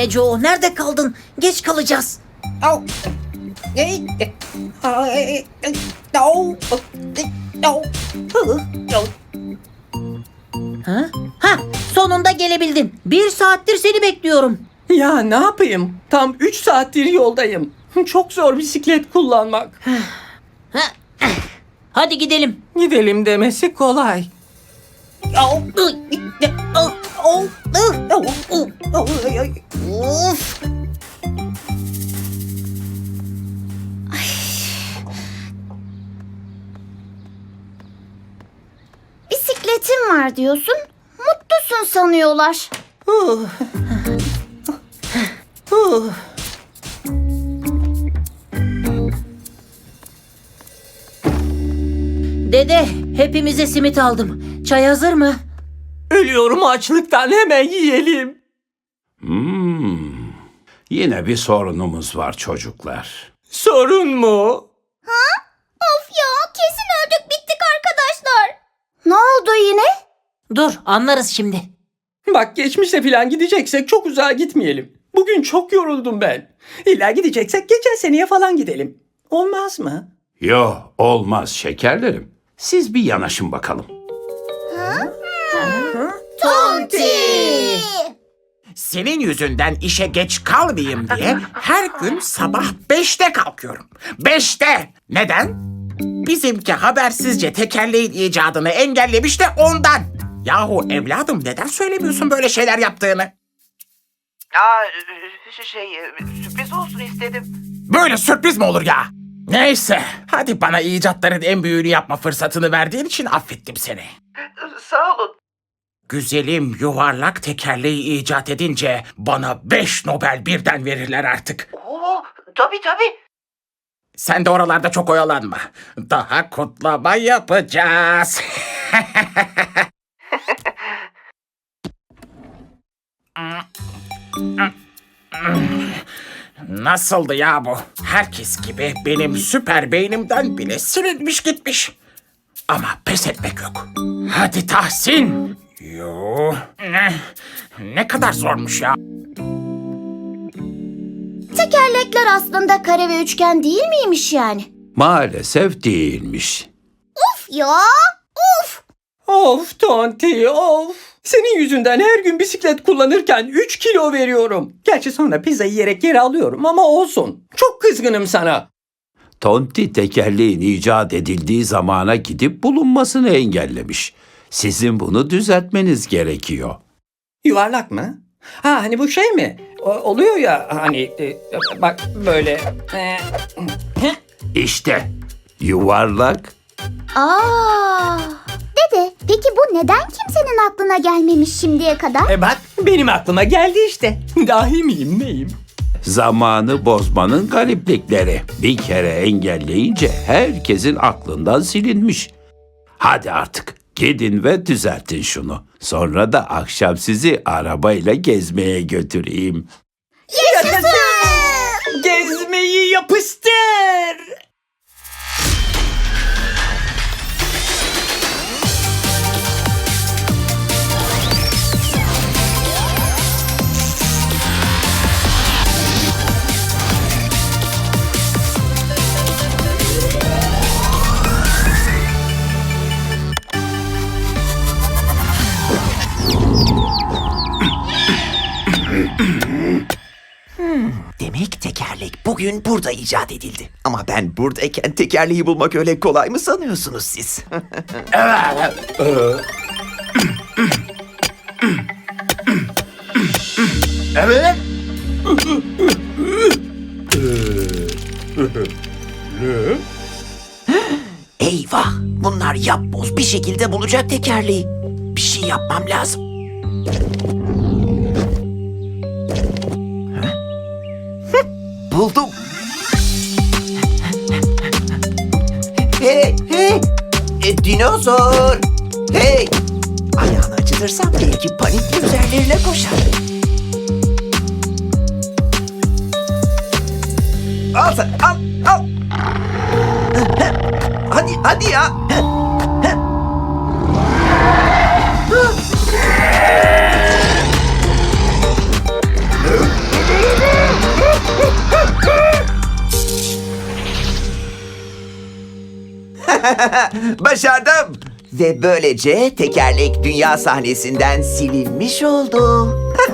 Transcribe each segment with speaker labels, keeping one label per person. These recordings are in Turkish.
Speaker 1: Neco, nerede kaldın? Geç kalacağız.
Speaker 2: Au. Au. Au.
Speaker 1: Ha? Ha, sonunda gelebildin. 1 saattir seni bekliyorum.
Speaker 3: Ya ne yapayım? Tam 3 saattir yoldayım. Çok zor bisiklet kullanmak.
Speaker 1: Hadi gidelim.
Speaker 3: Gidelim demesi kolay.
Speaker 2: Au.
Speaker 1: Of.
Speaker 4: Bisikletin var diyorsun. Mutlusun sanıyorlar.
Speaker 1: Dede, hepimize simit aldım. Çay hazır mı?
Speaker 3: Ölüyorum açlıktan, hemen yiyelim.
Speaker 5: Yine bir sorunumuz var çocuklar.
Speaker 3: Sorun mu?
Speaker 4: Of ya, kesin öldük bittik arkadaşlar. Ne oldu yine?
Speaker 1: Dur, anlarız şimdi.
Speaker 3: Bak geçmişe falan gideceksek çok uzağa gitmeyelim. Bugün çok yoruldum ben. İlla gideceksek geçen seneye falan gidelim. Olmaz mı?
Speaker 5: Yo, olmaz şekerlerim. Siz bir yanaşın bakalım.
Speaker 4: Tonti!
Speaker 6: Senin yüzünden işe geç kalmayayım diye her gün sabah 5'te kalkıyorum. 5'te! Neden? Bizimki habersizce tekerleğin icadını engellemiş de ondan. Yahu evladım neden söylemiyorsun böyle şeyler yaptığını?
Speaker 7: Sürpriz olsun istedim.
Speaker 6: Böyle sürpriz mi olur ya? Neyse, hadi bana icatların en büyüğünü yapma fırsatını verdiğin için affettim seni.
Speaker 7: Sağ olun.
Speaker 6: Güzelim yuvarlak tekerleği icat edince bana 5 Nobel birden verirler artık.
Speaker 7: Oo, tabii.
Speaker 6: Sen de oralarda çok oyalanma. Daha kutlama yapacağız. Nasıldı ya bu? Herkes gibi benim süper beynimden bile silinmiş gitmiş. Ama pes etmek yok. Hadi Tahsin. Yo. Ne kadar zormuş ya.
Speaker 4: Tekerlekler aslında kare ve üçgen değil miymiş yani?
Speaker 5: Maalesef değilmiş.
Speaker 4: Of ya! Of!
Speaker 3: Of Tonti, of. Senin yüzünden her gün bisiklet kullanırken 3 kilo veriyorum. Gerçi sonra pizza yiyerek geri alıyorum ama olsun. Çok kızgınım sana.
Speaker 5: Tonti tekerleğin icat edildiği zamana gidip bulunmasını engellemiş. Sizin bunu düzeltmeniz gerekiyor.
Speaker 3: Yuvarlak mı? Ha hani bu şey mi? Oluyor ya hani bak böyle.
Speaker 5: İşte yuvarlak.
Speaker 4: Aa! Dede, peki bu neden kimsenin aklına gelmemiş şimdiye kadar?
Speaker 3: Bak benim aklıma geldi işte. Dahi miyim neyim?
Speaker 5: Zamanı bozmanın gariplikleri. Bir kere engelleyince herkesin aklından silinmiş. Hadi artık gidin ve düzeltin şunu. Sonra da akşam sizi arabayla gezmeye götüreyim.
Speaker 3: Gezmeyi yapıştır.
Speaker 8: Demek tekerlek bugün burada icat edildi. Ama ben buradayken tekerleği bulmak öyle kolay mı sanıyorsunuz siz?
Speaker 6: Evet.
Speaker 8: Eyvah! Bunlar yapboz bir şekilde bulacak tekerleği. Bir şey yapmam lazım. Buldum. Hey! Dinozor! Hey! Ayağını acıtırsam belki panikle üzerlerine koşar. Al sen, al! Hadi ya! Başardım. Ve böylece tekerlek dünya sahnesinden silinmiş oldu.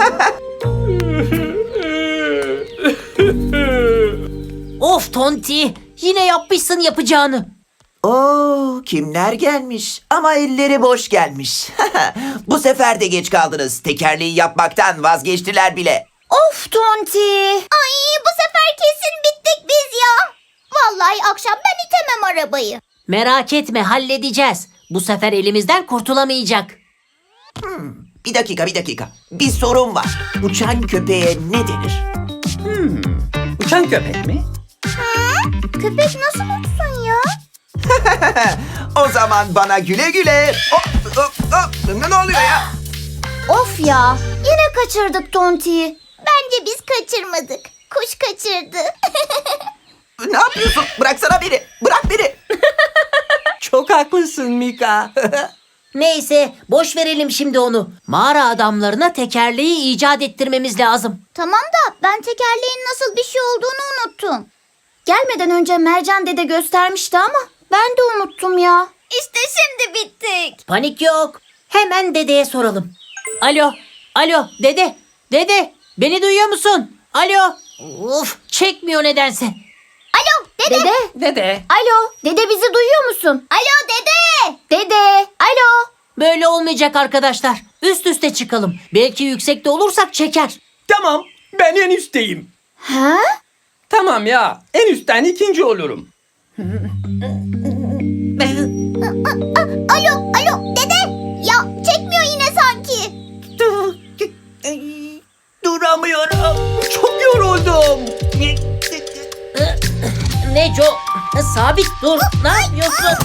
Speaker 1: Of Tonti, yine yapmışsın yapacağını.
Speaker 8: Oo, kimler gelmiş? Ama elleri boş gelmiş. Bu sefer de geç kaldınız. Tekerleği yapmaktan vazgeçtiler bile.
Speaker 4: Of Tonti. Ay bu sefer kesin bittik biz ya. Vallahi akşam ben itemem arabayı.
Speaker 1: Merak etme, halledeceğiz. Bu sefer elimizden kurtulamayacak.
Speaker 8: Bir dakika. Bir sorun var. Uçan köpeğe ne denir?
Speaker 3: Uçan köpek mi?
Speaker 4: Köpek nasıl uçsun ya?
Speaker 8: O zaman bana güle güle. Ne oluyor ya?
Speaker 4: Of ya, yine kaçırdık Tonti'yi. Bence biz kaçırmadık. Kuş kaçırdı.
Speaker 8: Ne yapıyorsun? Bıraksana beni. Bırak beni.
Speaker 3: Çok haklısın Mika.
Speaker 1: Neyse, boş verelim şimdi onu. Mağara adamlarına tekerleği icat ettirmemiz lazım.
Speaker 4: Tamam da ben tekerleğin nasıl bir şey olduğunu unuttum. Gelmeden önce Mercan dede göstermişti ama ben de unuttum ya. İşte şimdi bittik.
Speaker 1: Panik yok. Hemen dedeye soralım. Alo, dede, beni duyuyor musun? Alo. Uf, çekmiyor nedense.
Speaker 4: Alo dede.
Speaker 3: Dede.
Speaker 4: Alo dede bizi duyuyor musun? Alo dede. Dede. Alo.
Speaker 1: Böyle olmayacak arkadaşlar. Üst üste çıkalım. Belki yüksekte olursak çeker.
Speaker 3: Tamam, ben en üstteyim.
Speaker 4: Ha?
Speaker 3: Tamam ya, en üstten ikinci olurum.
Speaker 4: Alo dede. Ya çekmiyor yine sanki.
Speaker 3: Duramıyorum. Çok yoruldum.
Speaker 1: Neco, sabit dur. Ne yapıyorsun?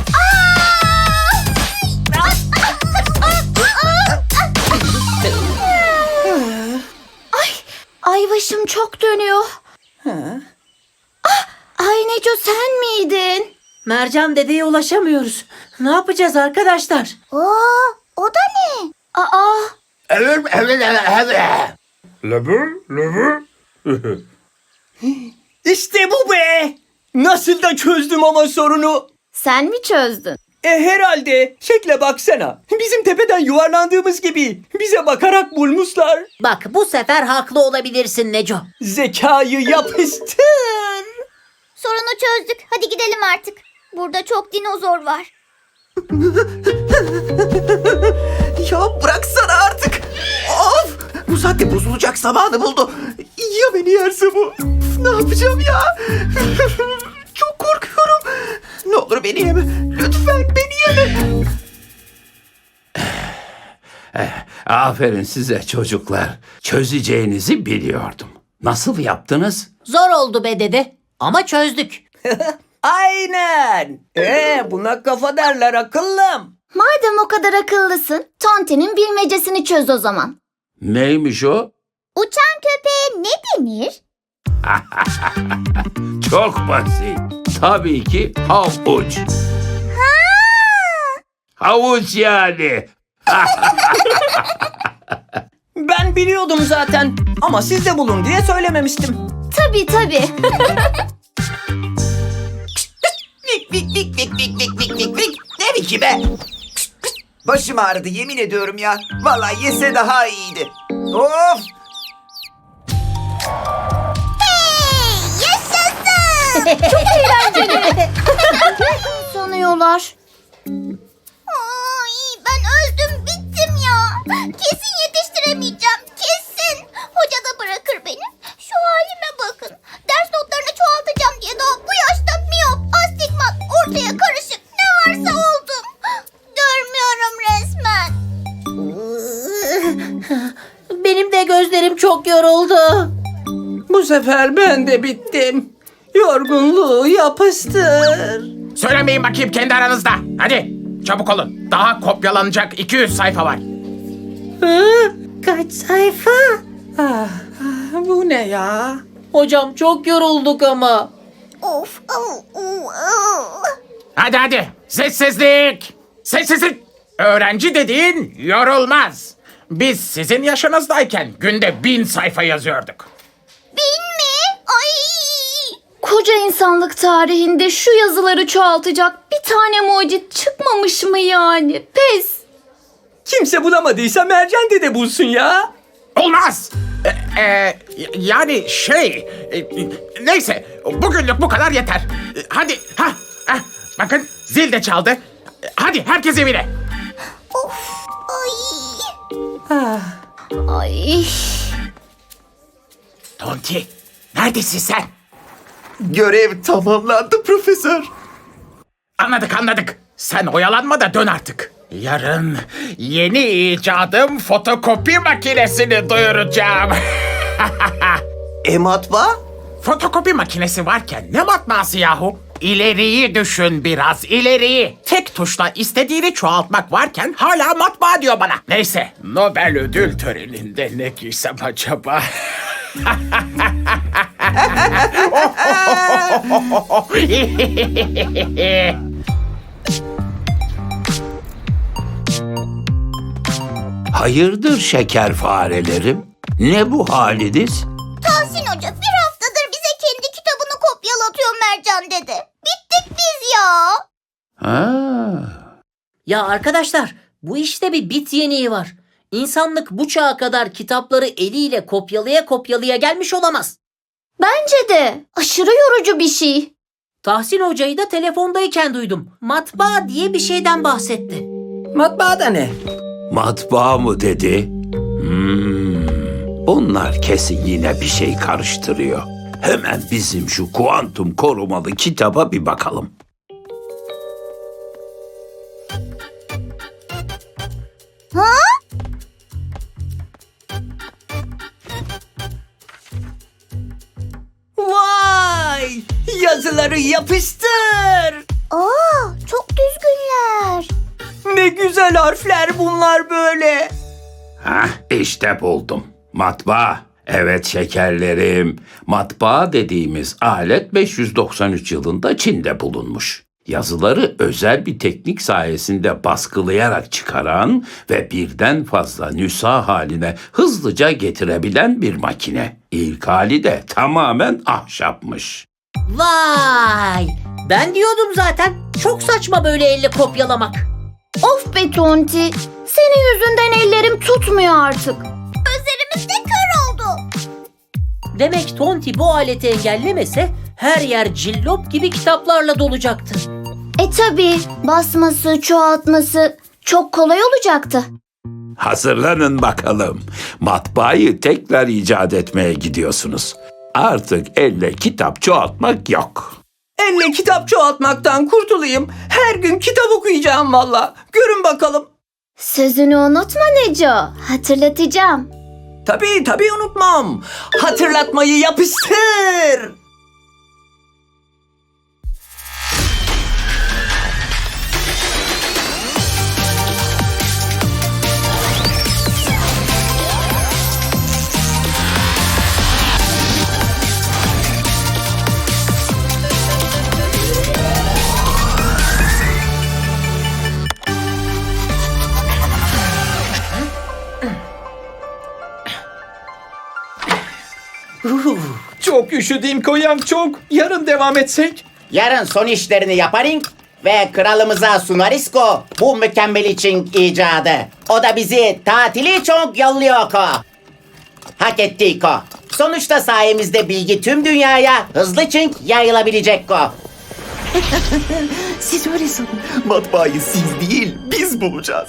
Speaker 4: Ay başım çok dönüyor. Ay Neco sen miydin?
Speaker 1: Mercan dedeye ulaşamıyoruz. Ne yapacağız arkadaşlar?
Speaker 4: O da ne? Aa.
Speaker 3: İşte bu be. Nasıl da çözdüm ama sorunu.
Speaker 4: Sen mi çözdün?
Speaker 3: Herhalde. Şekle baksana. Bizim tepeden yuvarlandığımız gibi. Bize bakarak bulmuşlar.
Speaker 1: Bak bu sefer haklı olabilirsin Neco.
Speaker 3: Zekayı yapıştır.
Speaker 4: Sorunu çözdük. Hadi gidelim artık. Burada çok dinozor var.
Speaker 8: Ya bıraksana artık. Of! Bu saatte bozulacak zamanı buldu. Ya beni yerse bu? Ne yapacağım ya? Çok korkuyorum. Ne olur beni yeme. Lütfen beni yeme.
Speaker 5: Aferin size çocuklar. Çözeceğinizi biliyordum. Nasıl yaptınız?
Speaker 1: Zor oldu be dede. Ama çözdük.
Speaker 3: Aynen. Buna kafa derler akıllım.
Speaker 4: Madem o kadar akıllısın, Tonti'nin bilmecesini çöz o zaman.
Speaker 5: Neymiş o?
Speaker 4: Uçan köpeğe ne denir?
Speaker 5: Çok basit. Tabii ki havuç. Havuç yani.
Speaker 3: Ben biliyordum zaten. Ama siz de bulun diye söylememiştim.
Speaker 4: Tabii.
Speaker 8: Vik. Ne viki be? Başım ağrıdı yemin ediyorum ya. Vallahi yese daha iyiydi. Of!
Speaker 4: Sanıyorlar. Ay, ben öldüm bittim ya. Kesin yetiştiremeyeceğim. Kesin. Hoca da bırakır beni. Şu halime bakın. Ders notlarını çoğaltacağım diye daha bu yaşta miyop, astigmat, ortaya karışık ne varsa oldum. Görmüyorum resmen.
Speaker 1: Benim de gözlerim çok yoruldu.
Speaker 3: Bu sefer ben de bittim. Yorgunluğu yapıştır.
Speaker 6: Söylemeyin bakayım kendi aranızda. Hadi çabuk olun. Daha kopyalanacak 200 sayfa var.
Speaker 1: Kaç sayfa?
Speaker 3: Bu ne ya?
Speaker 1: Hocam çok yorulduk ama.
Speaker 4: Of.
Speaker 6: Hadi. Sessizlik. Sessizlik. Öğrenci dediğin yorulmaz. Biz sizin yaşınızdayken günde 1000 sayfa yazıyorduk.
Speaker 4: 1000 mi? Ay. Koskoca insanlık tarihinde şu yazıları çoğaltacak bir tane mucit çıkmamış mı yani? Pes.
Speaker 3: Kimse bulamadıysa Mercan dede bulsun ya.
Speaker 6: Olmaz. Yani neyse bugünlük bu kadar yeter. Hadi bakın zil de çaldı. Hadi herkes evine.
Speaker 4: Ay.
Speaker 6: Tonti neredesin sen?
Speaker 8: Görev tamamlandı profesör.
Speaker 6: Anladık. Sen oyalanma da dön artık. Yarın yeni icadım fotokopi makinesini duyuracağım.
Speaker 8: Matbaa?
Speaker 6: Fotokopi makinesi varken ne matbaası yahu? İleriyi düşün biraz, ileriyi. Tek tuşla istediğini çoğaltmak varken hala matbaa diyor bana. Neyse, Nobel ödül töreninde ne giysem acaba?
Speaker 5: Hayırdır şeker farelerim? Ne bu haliniz?
Speaker 4: Tahsin Hoca bir haftadır bize kendi kitabını kopyalatıyor Mercan dede. Bittik biz ya.
Speaker 5: Ha.
Speaker 1: Ya arkadaşlar, bu işte bir bit yeniği var. İnsanlık bu çağa kadar kitapları eliyle kopyalaya gelmiş olamaz.
Speaker 4: Bence de aşırı yorucu bir şey.
Speaker 1: Tahsin Hoca'yı da telefondayken duydum. Matbaa diye bir şeyden bahsetti.
Speaker 3: Matbaa da ne?
Speaker 5: Matbaa mı dedi? Bunlar kesin yine bir şey karıştırıyor. Hemen bizim şu kuantum korumalı kitaba bir bakalım.
Speaker 3: Vay! Yazıları yapıştır.
Speaker 4: Aa, çok düzgünler.
Speaker 3: Ne güzel harfler bunlar böyle.
Speaker 5: Hah, işte buldum. Matbaa. Evet şekerlerim. Matbaa dediğimiz alet 593 yılında Çin'de bulunmuş. Yazıları özel bir teknik sayesinde baskılayarak çıkaran ve birden fazla nüsha haline hızlıca getirebilen bir makine. İlk hali de tamamen ahşapmış.
Speaker 1: Vay! Ben diyordum zaten. Çok saçma böyle elle kopyalamak.
Speaker 4: Of be Tonti. Senin yüzünden ellerim tutmuyor artık. Gözlerimiz de kör oldu.
Speaker 1: Demek Tonti bu aleti engellemese her yer cillop gibi kitaplarla dolacaktı.
Speaker 4: Tabii basması, çoğaltması çok kolay olacaktı.
Speaker 5: Hazırlanın bakalım. Matbaayı tekrar icat etmeye gidiyorsunuz. Artık elle kitap çoğaltmak yok.
Speaker 3: Elle kitap çoğaltmaktan kurtulayım. Her gün kitap okuyacağım valla. Görün bakalım.
Speaker 4: Sözünü unutma Neco. Hatırlatacağım.
Speaker 3: Tabii unutmam. Hatırlatmayı yapıştır. Çok üşüdüm koyam çok. Yarın devam etsek.
Speaker 9: Yarın son işlerini yaparız ve kralımıza sunarız ko bu mükemmel için icadı. O da bizi tatili çok yolluyor ko. Hak ettik ko. Sonuçta sayemizde bilgi tüm dünyaya hızlı çink yayılabilecek ko.
Speaker 8: Siz öyle sanın. Matbaayı siz değil, biz bulacağız.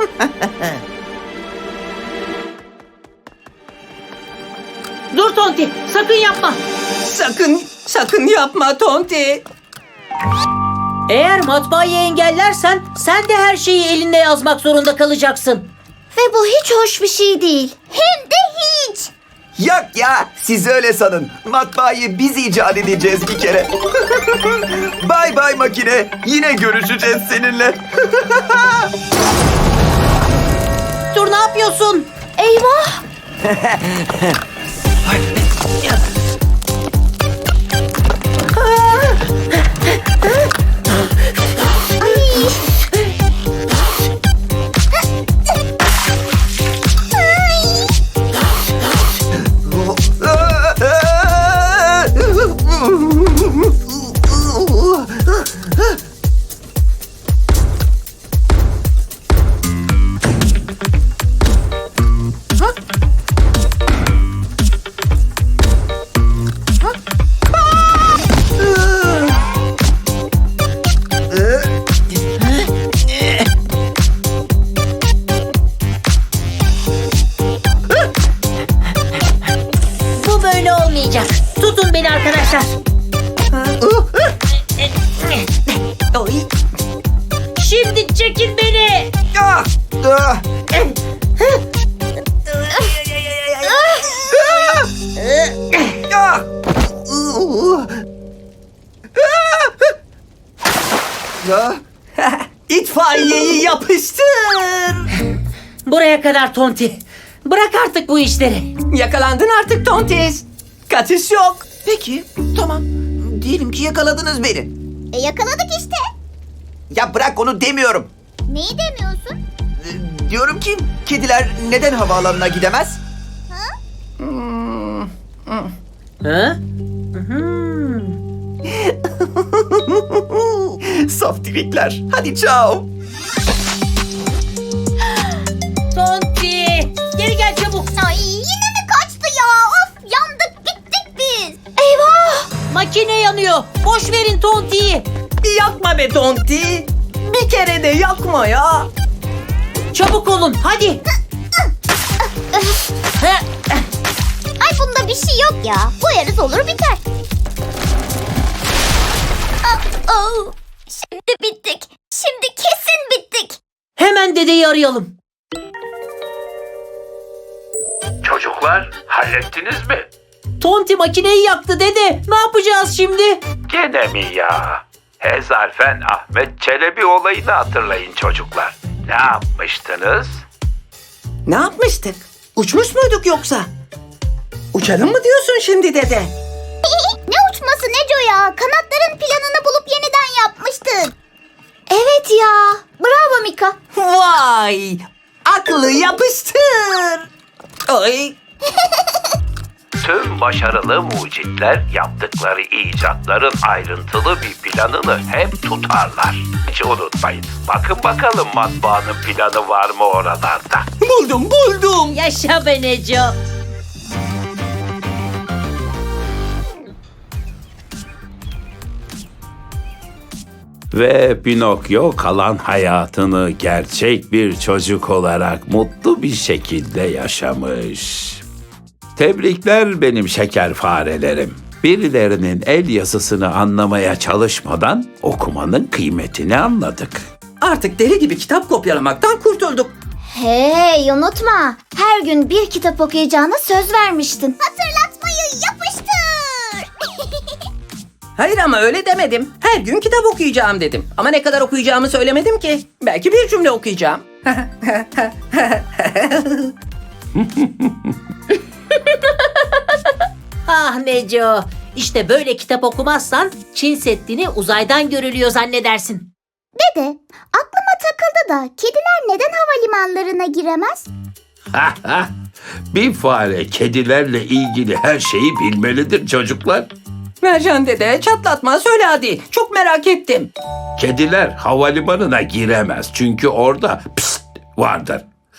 Speaker 1: Dur Tonti, sakın yapma.
Speaker 3: Sakın yapma Tonti.
Speaker 1: Eğer matbaayı engellersen sen de her şeyi elinde yazmak zorunda kalacaksın.
Speaker 4: Ve bu hiç hoş bir şey değil. Hem de hiç.
Speaker 8: Yok ya, siz öyle sanın. Matbaayı biz icat edeceğiz bir kere. Bay bay makine. Yine görüşeceğiz seninle.
Speaker 1: Dur, ne yapıyorsun?
Speaker 4: Eyvah.
Speaker 8: Ya. İtfaiyeyi yapıştır.
Speaker 1: Buraya kadar Tonti. Bırak artık bu işleri.
Speaker 3: Yakalandın artık Tontis. Kaçış yok.
Speaker 8: Peki, tamam. Diyelim ki yakaladınız beni.
Speaker 4: Yakaladık işte.
Speaker 8: Ya bırak onu demiyorum.
Speaker 4: Neyi demiyorsun?
Speaker 8: Diyorum ki kediler neden havaalanına gidemez?
Speaker 1: Ha?
Speaker 8: Saftirikler. Hadi ciao.
Speaker 1: Tonti! Geri gel çabuk.
Speaker 4: Ay yine mi kaçtı ya? Of yandık bittik biz. Eyvah.
Speaker 1: Makine yanıyor. Boş verin Tonti'yi.
Speaker 3: Yakma be Tonti. Bir kere de yakma ya.
Speaker 1: Çabuk olun hadi.
Speaker 4: Ay bunda bir şey yok ya. Koyarız olur biter. Şimdi bittik. Şimdi kesin bittik.
Speaker 1: Hemen dedeyi arayalım.
Speaker 5: Çocuklar hallettiniz mi?
Speaker 1: Tonti makineyi yaktı dede. Ne yapacağız şimdi?
Speaker 5: Gene mi ya? Hezarfen Ahmet Çelebi olayını hatırlayın çocuklar. Ne yapmıştınız?
Speaker 3: Ne yapmıştık? Uçmuş muyduk yoksa? Uçalım mı diyorsun şimdi dede?
Speaker 4: Ne uçması Neco ya? Kanatların planını bulup yeniden yapmıştık. Evet ya. Bravo Mika.
Speaker 3: Vay! Aklı yapıştır. Ay!
Speaker 5: Tüm başarılı mucitler yaptıkları icatların ayrıntılı bir planını hep tutarlar. Hiç unutmayın. Bakın bakalım matbaanın planı var mı oralarda?
Speaker 3: Buldum.
Speaker 1: Yaşa be Neco.
Speaker 5: Ve Pinokyo kalan hayatını gerçek bir çocuk olarak mutlu bir şekilde yaşamış. Tebrikler benim şeker farelerim. Birilerinin el yazısını anlamaya çalışmadan okumanın kıymetini anladık.
Speaker 3: Artık deli gibi kitap kopyalamaktan kurtulduk.
Speaker 4: Hey unutma. Her gün bir kitap okuyacağına söz vermiştin. Hatırlatmayı yapıştır.
Speaker 3: Hayır ama öyle demedim. Her gün kitap okuyacağım dedim. Ama ne kadar okuyacağımı söylemedim ki. Belki bir cümle okuyacağım.
Speaker 1: Ah Neco. İşte böyle kitap okumazsan Çin Seddi'ni uzaydan görülüyor zannedersin.
Speaker 4: Dede, aklıma takıldı da kediler neden havalimanlarına giremez?
Speaker 5: Bir fare kedilerle ilgili her şeyi bilmelidir çocuklar.
Speaker 3: Mercan dede çatlatma söyle hadi. Çok merak ettim.
Speaker 5: Kediler havalimanına giremez çünkü orada pst vardır.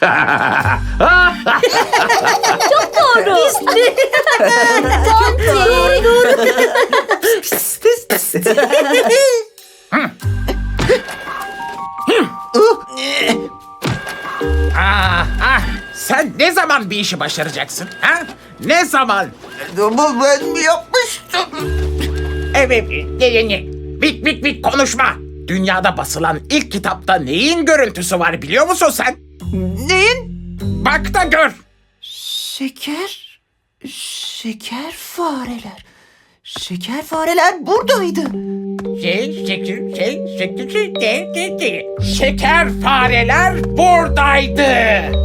Speaker 6: Sen ne zaman bir işi başaracaksın? Ha? Ne zaman?
Speaker 8: Bu ben mi yapmıştım?
Speaker 6: Evet, bit konuşma. Dünyada basılan ilk kitapta neyin görüntüsü var biliyor musun sen?
Speaker 8: Neyin?
Speaker 6: Bak da gör.
Speaker 8: Şeker fareler. Şeker fareler buradaydı.
Speaker 6: Şeker fareler buradaydı.